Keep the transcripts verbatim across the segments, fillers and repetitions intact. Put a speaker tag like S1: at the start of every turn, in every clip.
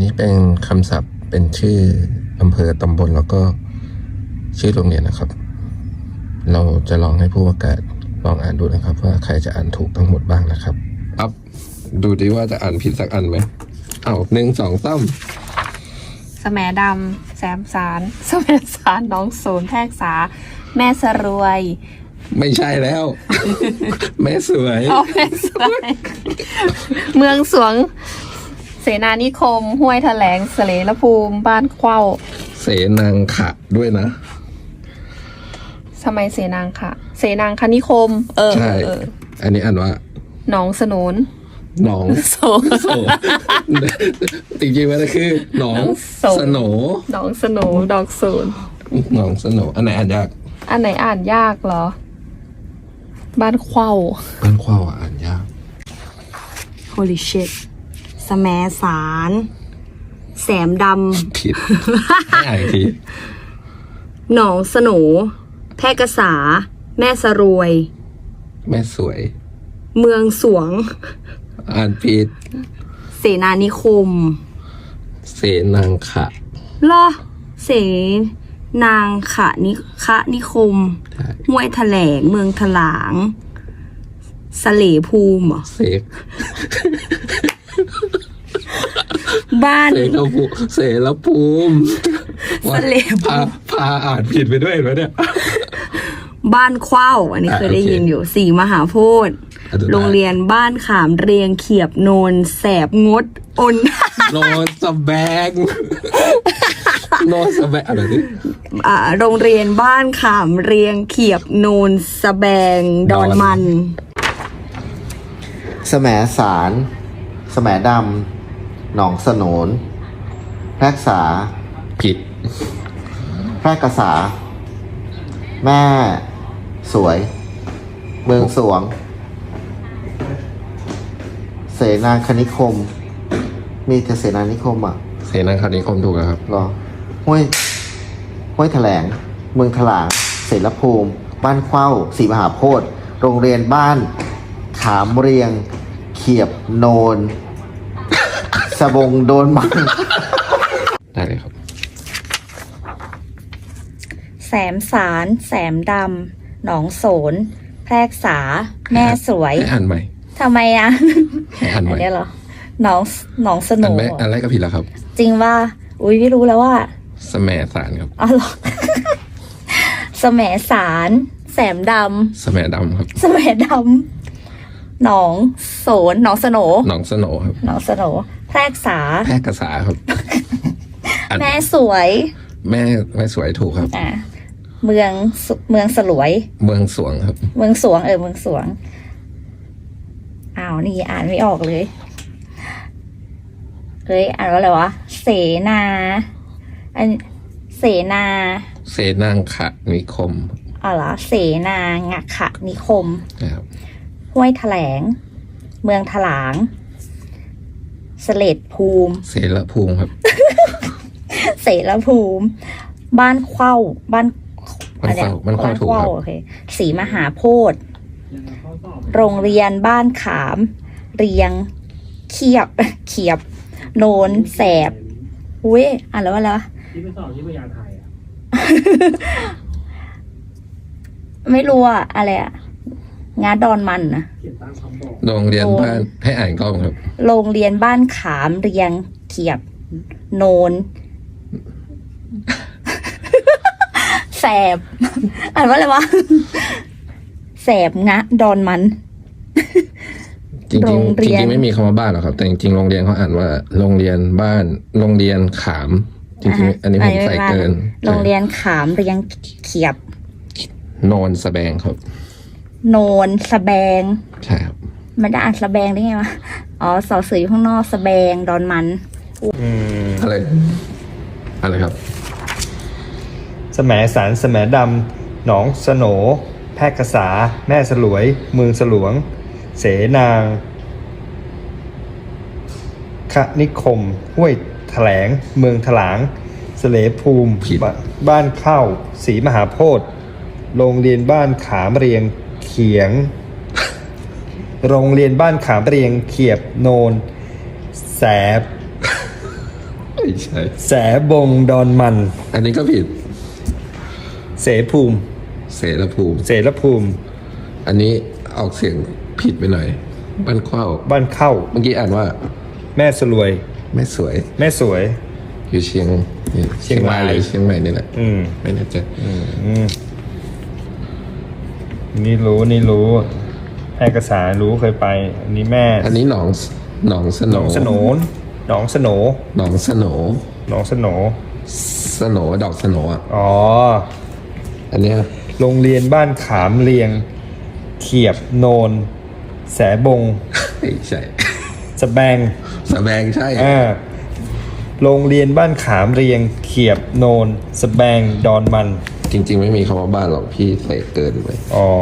S1: นี้เป็นคำศัพท์เป็นชื่ออำเภอตำบลแล้วก็ชื่อโรงเรียนนะครับเราจะลองให้ผู้ประกาศลองอ่านดูนะครับว่าใครจะอ่านถูกทั้งหมดบ้างนะครับอัพดูดิว่าจะอ่านผิดสักอันไหมเอาหนึ่งสองสาม
S2: สแหมดำแซมสารสแหมสารน้องศูนย์แพรกษาแม่สรวย
S1: ไม่ใช่แล้ว แม่สวย
S2: อ๋อแม่สวยเมืองสวงเสนานิคมห้วยแถลงเสลรภูมิบ้านเข้า
S1: เสนางขะด้วยนะ
S2: ทำไมเสนางค่ะเสนางคณิคมเออ
S1: ใช่อันนี้อ่านว่า
S2: หนองสนุน
S1: หนอง
S2: โส
S1: จริงๆมันคือหนองสโหน
S2: หนองสโหนดอกศูนย์
S1: หนองสโหนอันไหนอ่านยาก
S2: อันไหนอ่านยากเหรอบ้านเข้า
S1: บ้านเข้าอ่านยาก
S3: Holy shit สแหมสารแสมด
S1: ำผิดไม่อ่านที
S3: หนองสโหนแพร่กษาแม่สรวย
S1: แม่สวย
S3: เมืองสวง
S1: อ่านผิด
S3: เสนานิคม
S1: เสนางขะ
S3: เหรอเสนางขะนิคะนิคมห้วยแถลงเมืองถลางสะเหลภูมิเหรอ
S1: เสก
S3: บ้าน
S1: เสรภูมิเสรภูมิ
S3: สะเหลภูมิ
S1: พาอ่านผิดไปด้วยเหรอเนี่ย
S3: บ้านเข้าอันนี้เคยได้ยินอยู่สี่มหาโพธิ์โรงเรียนบ้านขามเรียงเขียบโนนแสบงดอน
S1: โนนสแบงโนนสแบงอะไรนี่
S3: อ่าโรงเรียนบ้านขามเรียงเขียบโนนสแบงดอนมัน
S4: แสมสารแสมดำหนองสโหนแพรกษา
S1: ผิด
S4: แพร่กษาแม่สวยเมืองสวงเสนาคณิคมมีแต่เสนานิคมอ่ะ
S1: เสนาคณิคมถูกแล้วครับ
S4: หรอห้วยห้วยแถลงเมืองถลางเสรภูมิบ้านเข้าศรีมหาโพธิ์โรงเรียนบ้านขามเรียงเขียบโนนสบงโดนมัง
S1: ได้เลยครับ
S3: แสมสารแสมดำหนองโสนแพรกษาแม่สวย
S1: อ่านใหม่
S3: ทำไมอ่ะ
S1: อ่านใหม่
S3: เนี่ยเหรอหนองหนองสโหน
S1: อันแรกก็ผิดแล้วครับ
S3: จริงว่าอุ้ยไม่รู้แล้วว่า
S1: สแหมสารครับ
S3: อ๋อเหรอสแหมสารแสมด
S1: ำสแหมดำครับ
S3: สแหมดำหนองโสนหนองสโหน
S1: หนองสโหนครับ
S3: หนองสโหนแพรกษา
S1: แพรกษาครับ
S3: แม่สวย
S1: แม่แม่สวยถูกครับ
S3: อ่าเมืองเมืองสลวย
S1: เมืองสวงครับ
S3: เมืองสวงเออเมืองสวงอ้าวนี่อ่านไม่ออกเลยเฮ้ยอ่านว่าอะไรวะเสนาอันเสนา
S1: เสนางขะนิคม
S3: อ๋อเหรอเสนางขะนิคม
S1: ครับ
S3: ห้วยแถลงเมืองถลางเสลดภูมิ
S1: เสรภูมิครับ
S3: เสรภูมิบ้านเข้าบ้าน
S1: บ้านเข้าบ้านเข้าถูกครับ
S3: โอเคศรีมหาโพธิ์โรงเรียนบ้านขามเรียงเขียบเขียบโนนแสบอุ้ยอ่านแล้วว่าอะไร
S5: ที่ไปสอบที่พยาไทยอ่ะ
S3: ไม่รู้อ่ะอะไรอ่ะงาดอนมันนะ
S1: โรงเรียนบ้านให้อ่านกล้องครับ
S3: โรงเรียนบ้านขามเรียงเขียบโนนแสบอ่านว่าอะไรวะแสบงะดอนมัน
S1: จริงๆจริงๆไม่มีคำว่าบ้านหรอกครับแต่จริงๆโรงเรียนเขาอ่านว่าโรงเรียนบ้านโรงเรียนขามจริงๆอันนี้ผมใส่เกิน
S3: โรงเรียนขามเรียงเขียบ
S1: โนนสแบงครับ
S3: โนนสแบง
S1: ใช่ครับ
S3: มันจะอ่านสแบงได้ไงวะอ๋อสอเสืออยู่ข้างนอกสแบงดอนมัน
S1: อืมอะไรอะไรครับ
S5: แสมสารแสมดำหนองสโหนแพรกษาแม่สลวยเมืองสลวงเสนางคณิคมห้วยแถลงเมืองถลางเสลภูมิบ้านเข้าศรีมหาโพธิ์โรงเรียนบ้านขามเรียงเขียงโรงเรียนบ้านขามเรียงเขียบโนนแสบ
S1: ไม่ใช่
S5: แสบงดอนมัน
S1: อันนี้ก็ผิด
S5: เสภูมิ
S1: เสรภูมิ
S5: เสรภูมิ
S1: อันนี้ออกเสียงผิดไปหน่อย บ้านเข้า
S5: บ้านเข้า
S1: เมื่อกี้อ่านว่า
S5: แม่สรวย
S1: แม่สวย
S5: แม่สวย
S1: อยู่เชียง
S5: เชียงราย
S1: หรือเชียงใหม่นี่แหละ
S5: อืม
S1: ไม่แน่ใจ
S5: อืมนี่รู้นี่รู้แอกษารู้เคยไป อันนี้แม่
S1: อันนี้หนองหนองส
S5: ห
S1: โน
S5: นองสโหนหนองสโหน
S1: หนองสโน
S5: หนองสโหน
S1: สโนดอกสโนอ่ะ
S5: อ๋อ
S1: อันเนี้ย
S5: โรงเรียนบ้านขามเรียง เขียบโนน แสบง
S1: ไม่ใช่
S5: สะแบง
S1: สะแบงใช่
S5: อ่าโรงเรียนบ้านขามเรียง เขียบโนน สะแบงดอนมัน
S1: จริง ๆ ไม่มีคำว่าบ้านหรอกพี่ใส่เกินไป
S5: อ๋อ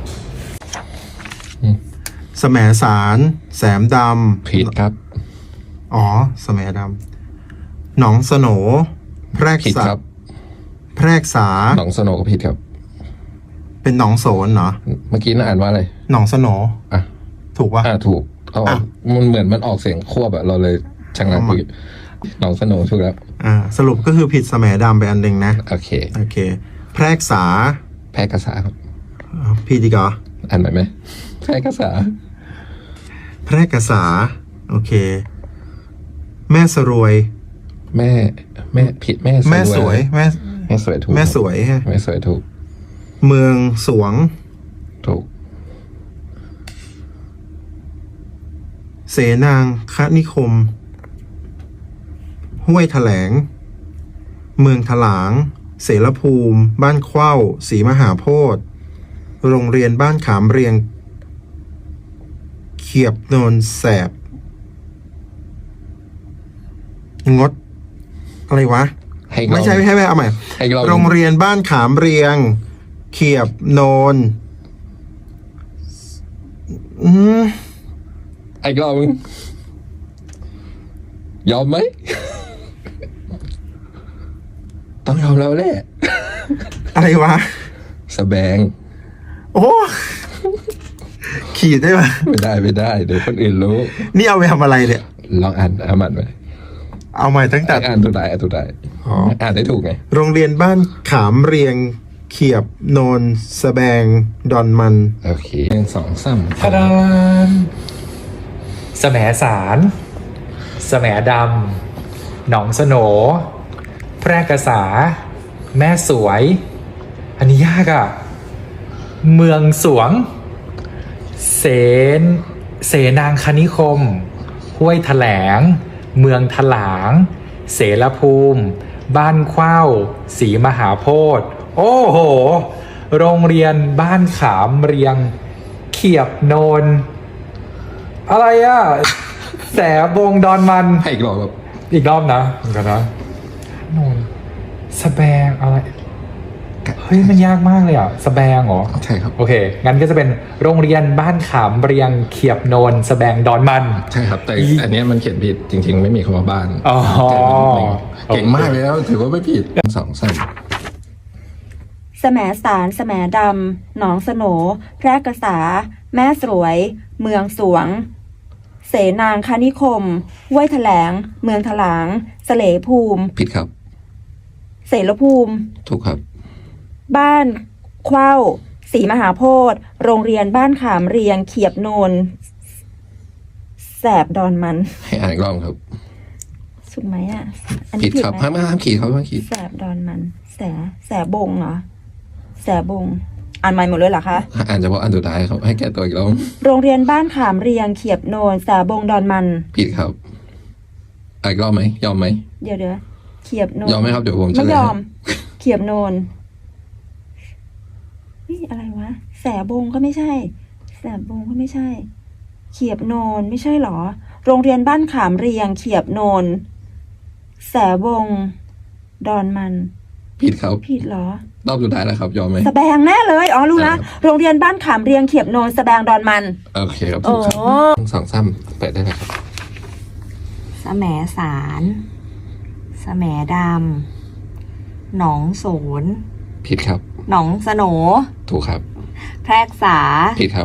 S6: แสมสารแสมดำ
S1: ผิดครับ
S6: อ๋อแสมดำหนองสโหนแพรก
S1: ผิด
S6: ษา
S1: ครับ
S6: แพรกษา
S1: หนองสโนก็ผิดครับ
S6: เป็นหนองโสนเหรอ
S1: เมื่อกี้น่าอ่านว่าอะไร
S6: หนองสโหน
S1: อ่ะ
S6: ถูกปะ
S1: อ่าถูกเอา
S6: อ่ะ
S1: มันเหมือนมันออกเสียงควบอะเราเลยชังงักไปหนองสโนถูกแล้ว
S6: อ่าสรุปก็คือผิดแสมดำไปอันหนึ่งนะ
S1: โอเค
S6: โอเค แพรกษา
S1: แพร่กษาครับ
S6: อ๋อผิดอีกเหรอ
S1: อ่านไหมไหมแพร่กษา
S6: แพรกษา โอเค แม่สรวย
S1: แม่แม่ผิดแม่
S6: แม่สวยแม่
S1: แม่สวยถูก
S6: แม่สวยฮะ
S1: แม่สวยถูก
S6: เมืองสวง
S1: ถูก
S6: เสนางคนิคม ห้วยแถลง เมืองถลาง เสรภูมิ บ้านเข้าศรีมหาโพธิ์โรงเรียนบ้านขามเรียง เขียบโนนแสบ งด อะไรวะ
S1: ให้อีกรอบ
S6: ไม่ใช่ไม่ใช่ไม่ใช่เอาใหม่
S1: ให้อีกรอบ
S6: โรงเรียนบ้านขามเรียง เขียบโนน อืม
S1: ให้อีกรอบมึงยอมไหม ต้องยอมแล้วแหละ
S6: อะไรวะ
S1: สแบง
S6: โอ้ ขีดได้ปะ
S1: ไม่ได้ไม่ได้เดี๋ยวคนอื่นรู้
S6: นี่เอาไปทำอะไรเนี่ย
S1: ลองอ่านอ่านมันไหม
S6: เอาใหม่ตั้งแต่
S1: อ่านตัวใดอ่านตัวใด
S6: อ๋อ
S1: อ่านได้ถูกไง
S6: โรงเรียนบ้านขามเรียง เขียบโนนสแบง ดอนมัน
S1: โอเคหนึ่งสองสาม
S7: ทะดานแสมสารแสมดำ หนองสโหนแพร่กษา แม่สวย อันนี้ยากอะ่ะ เมืองสวง เสน เสนางคณิคม ห้วยแถลง เมืองถลาง เสรภูมิ บ้านเข้าศรีมหาโพธิ์โอ้โห โรงเรียนบ้านขามเรียง เขียบโนน อะไรอะแสบงดอนมัน
S1: ให้อีกรอบแบบ
S7: อีกรอบนะเหมือนกันนะโนนสแบงอะไร เฮ้ย มันยากมากเลยอ่ะ สแบงเหรอ
S1: ใช่ครับ
S7: โอเค งั้นก็จะเป็นโรงเรียนบ้านขามเรียง เขียบโนน สแบงดอนมัน
S1: ใช่ครับแต่อันเนี้ยมันเขียนผิดจริง ๆ ไม่มีคำว่าบ้าน
S7: อ๋อ
S1: เก่งมากเลยแล้วถือว่าไม่ผิดสองสาม
S3: แสมสารแสมดำ หนองสโหนแพร่กษา แม่สวย เมืองสวง เสนางคณิคม ห้วยแถลง เมืองถลาง เสลภูมิ
S1: ผิดครับ
S3: เสรภูมิ
S1: ถูกครับ
S3: บ้านเข้าศรีมหาโพธิ์โรงเรียนบ้านขามเรียง เขียบโนน แสบดอนมัน
S1: ให้อ่านอีกรอบครับ
S3: ถูกไหมอ่ะ อัน
S1: ผิ
S3: นี้
S1: ด
S3: ผิด
S1: ครับ
S3: ไหม
S1: ห้ามห้ามขีดเขาห้ามขีด
S3: แสบดอนมัน แสแสบงเหรอ แสบง อ่านใหม่หมดเลยเหรอคะ
S1: อ่านเฉพาะอันสุดท้ายครับให้แก้ตัวอีกรอบ
S3: โรงเรียนบ้านขามเรียง เขียบโนน แสบงดอนมัน
S1: ผิดครับอ่านอีกรอบไหมยอมไหม
S3: เดี๋ยวเดี๋ยวเขียบโนน
S1: ยอมไหมครับเดี๋ยวผมเฉลย
S3: ไม่ยอม
S1: ให้
S3: เขียบโนนนี่อะไรวะ แสบงก็ไม่ใช่ แสบงก็ไม่ใช่ เขียบโนนไม่ใช่หรอ โรงเรียนบ้านขามเรียง เขียบโนน แสบงดอนมัน
S1: ผิดครับ
S3: ผิดเหรอ
S1: รอบสุดท้ายแล้วครับยอมไหม
S3: สแบงแน่เลย อ๋อ รู้ละ
S1: ใช่ครับ
S3: โรงเรียนบ้านขามเรียง เขียบโนน สแบงดอนมัน
S1: โอเคครับถูกครับ
S3: โอ้
S1: สองสามเปิดได้เลยครับ
S8: แสมสารแสมดำ หนองโสน
S1: ผิดครับ
S8: หนองสโหน
S1: ถูกครับ
S8: แพรกษา
S1: ผิดครับ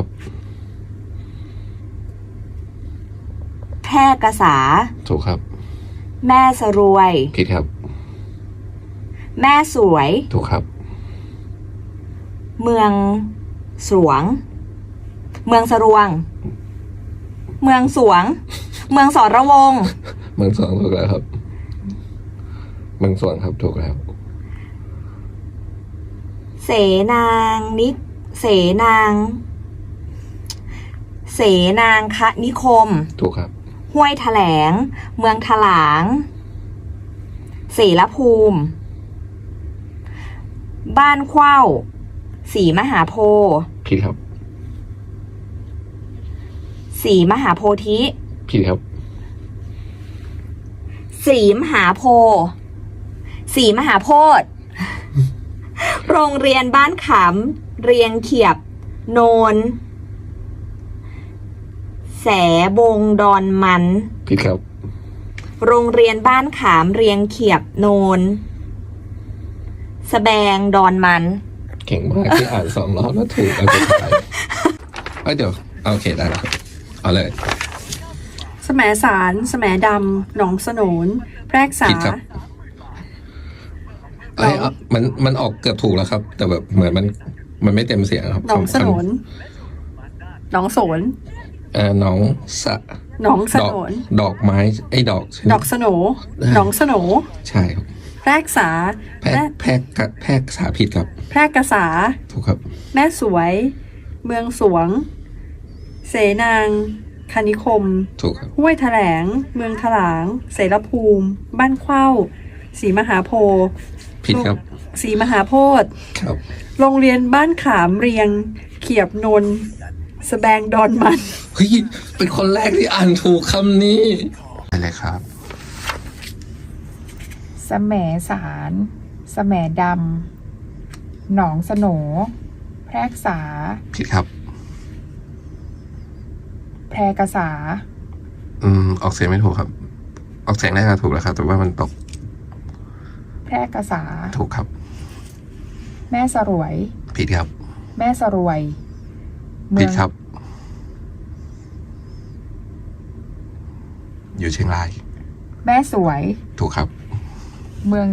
S8: แพร่กษา
S1: ถูกครับ
S8: แม่สรวย
S1: ผิดครับ
S8: แม่สวย
S1: ถูกครับ
S8: เมืองสวง เมืองสรวง เมืองสวง เมืองสรวง
S1: เมืองสวงถูกแล้วครับ เมืองสวงครับถูกแล้ว
S8: เสนางนิเสนาง เสนางคะนิคม
S1: ถูกครับ
S8: ห้วยแถลง เมืองถลาง เสรภูมิ บ้านเข้าศรีมหาโพธิ์
S1: ผิดครับ
S8: ศรีมหาโพธิ
S1: ผิดครับ
S8: ศรีมหาโพธิ์ศรีมหาโพธิ์ โรงเรียนบ้านขามเรียงเขียบ โนน แสบงดอนมัน
S1: ผิดครับ
S8: โรงเรียนบ้านขามเรียงเขียบ โนนสแบงดอนมัน
S1: เก่งมากที่อ่านสองรอบแล้วถูกอันสุดท้ายเอ้ยเดี๋ยวโอเคได้แล้วครับเอาเลย
S9: แสมสารแสมดำหนองสนนแพรกษา
S1: ผิดครับเอ้ยเอามันมันออกเกือบถูกแล้วครับ แต่แบบเหมือนมันมันไม่เต็มเสียงครับ
S9: หนองสนนหนองโสน
S1: เอ่อน้องสะ
S9: หนองส
S1: ดอก
S9: นน
S1: ดอกไม้ไอ้ดอกใช่ไหม
S9: ดอกสโหนหนองสโหน
S1: ใช่ครับ
S9: แพรกษา
S1: แพรกแพรกกะแพรกสาผิดครับ
S9: แพรกษา
S1: ถูกครับ
S9: แม่สวย เมืองสวง เสนางคณิคม
S1: ถูกครับ
S9: ห้วยแถลง เมืองถลาง เสรภูมิ บ้านเข้าศรีมหาโพธิ์
S1: ผิดครับ
S9: ศรีมหาโพธิ์
S1: ครับ
S9: โรงเรียนบ้านขามเรียง เขียบนนท์สแบงดอนมัน
S1: เฮ้ยเป็นคนแรกที่อ่านถูกคำนี้ไปเลยครับ
S10: แสมสารแสมดำหนองสโหนแพรกษา
S1: ผิดครับ
S10: แพรกษา
S1: อืมออกเสียงไม่ถูกครับ ออกเสียงได้ก็ถูกแล้วครับ แต่ว่ามันตก
S10: แพรกษา
S1: ถูกครับ
S10: แม่สรวย
S1: ผิดครับ
S10: แม่สรวย เมื
S1: ผิ
S10: อ
S1: ด
S10: ง
S1: ครับ อยู่เชียงราย
S10: แม่สวย
S1: ถูกครับ
S10: เมือง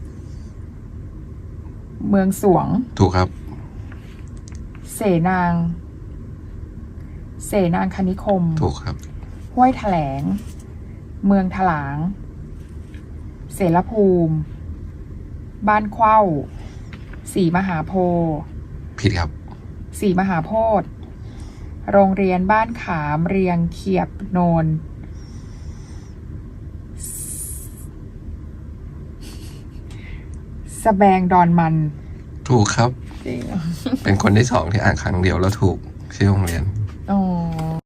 S10: เมืองสวง
S1: ถูกครับ
S10: เสนาง เสนางคณิคม
S1: ถูกครับ
S10: ห้วยแถลง เมืองถลาง เสรภูมิ บ้านเข้าศรีมหาโพธิ์
S1: ผิดครับ
S10: ศรีมหาโพธิ์โรงเรียนบ้านขามเรียงเขียบโนนสแบงดอนมัน
S1: ถูกครับ
S10: จริง
S1: เป็นคนที่สองที่อ่านครั้งเดียวแล้วถูกชื่อโรงเรียน